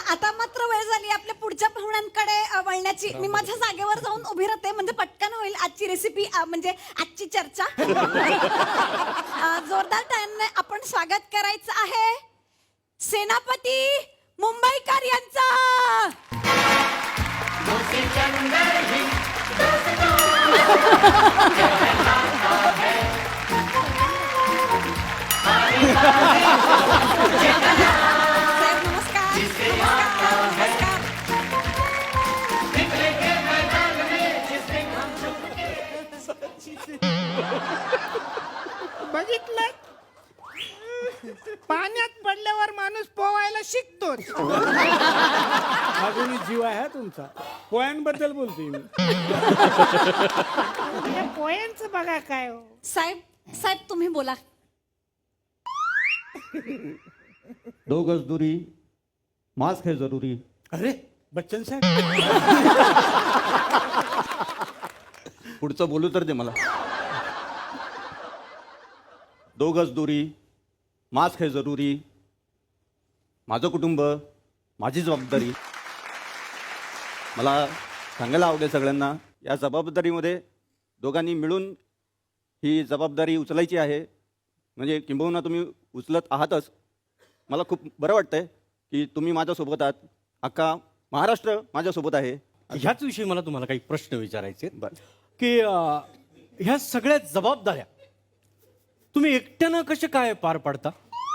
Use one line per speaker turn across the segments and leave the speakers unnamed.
आता मात्र वेळ झाली आपल्या पुढच्या पाहुण्यांकडे वळण्याची. मी माझ्या जागेवर जाऊन उभी राहते म्हणजे पटकन होईल आजची रेसिपी म्हणजे आजची चर्चा. जोरदार टाळ्यांनी आपण स्वागत करायचं आहे सेनापती मुंबईकर यांचा. साहेब नमस्कार. नमस्कार.
बघितलं, पाण्यात पडल्यावर माणूस पोवायला शिकतोच.
अजूनही जीव आहे हा तुमचा. पोयांबद्दल बोलतोय मी.
या पोयांचं बघा काय हो.
साहेब तुम्ही बोला.
2 गज दूरी, मास्क है जरूरी.
अरे बच्चन साहेब,
पुढचं बोलू तर दे मला. 2 गज दूरी, मास्क है जरूरी. माझं कुटुंब, माझी जबाबदारी. मला सांगायला आवडेल सगळ्यांना, या जबाबदारीमध्ये दोघांनी मिळून ही जबाबदारी उचलायची आहे. म्हणजे किंबहुना तुम्ही उचलत आहातच. मला खूप बरं वाटतंय की तुम्ही माझ्यासोबत आहात. अख्खा महाराष्ट्र माझ्यासोबत आहे.
ह्याच विषयी मला तुम्हाला काही प्रश्न विचारायचे आहेत.
बरं.
की ह्या सगळ्या जबाबदाऱ्या तुम्ही एकट्यानं कसे काय पार पाडता?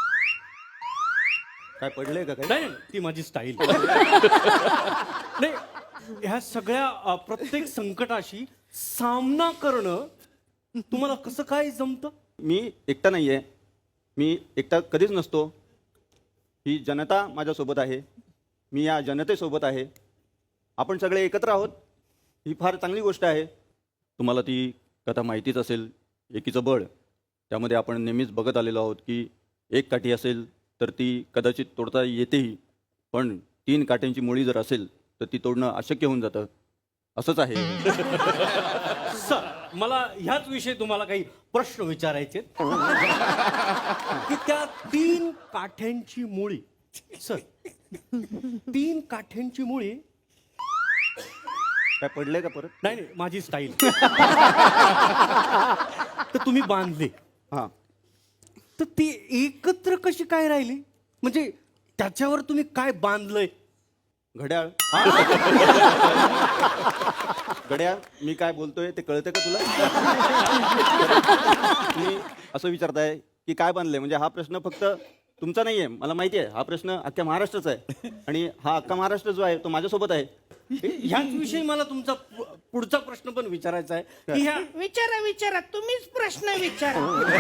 काय पडलंय का काय?
नाही ती माझी स्टाईल. नाही, ह्या सगळ्या प्रत्येक संकटाशी सामना करणं तुम्हाला कसं काय जमतं?
मी एकटा नाही आहे. मी एकटा कधीच नसतो. ही जनता माझ्यासोबत आहे. मी या जनतेसोबत आहे. आपण सगळे एकत्र आहोत. ही फार चांगली गोष्ट आहे. तुम्हाला ती कथा माहितीच असेल, एकीचं बळ. त्यामध्ये आपण नेहमीच बघत आलेलो आहोत की एक काठी असेल तर ती कदाचित तोडता येतेही, पण 3 काठ्यांची मुळी जर असेल तर ती तोडणं अशक्य होऊन जातं. असंच आहे.
सर, मला ह्याच विषयी तुम्हाला काही प्रश्न विचारायचे आहेत. की त्या 3 काठ्यांची मुळी, सर 3 काठ्यांची मुळी.
काय पडलंय का परत?
नाही नाही, माझी स्टाईल. तर तुम्ही बांधले,
हां.
तर ती एकत्र कशी काय राहिली? म्हणजे त्याच्यावर तुम्ही काय बांधलंय?
घड्याळ. घड्याळ. मी काय बोलतोय ते कळतंय का तुला? तुम्ही असं विचारताय की काय बांधलंय, म्हणजे हा प्रश्न फक्त तुमचा नाही आहे. मला माहिती आहे हा प्रश्न अख्ख्या महाराष्ट्राचा आहे. आणि हा अख्खा महाराष्ट्र जो आहे तो माझ्यासोबत आहे.
ह्याच विषयी मला तुमचा पुढचा प्रश्न पण विचारायचा आहे की ह्या
विचारा तुम्हीच प्रश्न विचारा.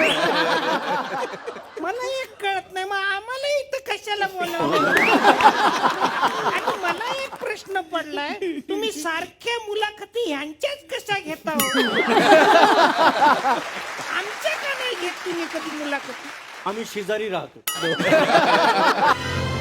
मला एक कळत नाही, मग आम्हाला इथं कशाला बोलावलं? आणि मला एक प्रश्न पडलाय, तुम्ही सारख्या मुलाखती ह्यांच्याच कशा घेता हो? आमच्या का नाही घेत तुम्ही कधी मुलाखती?
आम्ही शेजारी राहतो.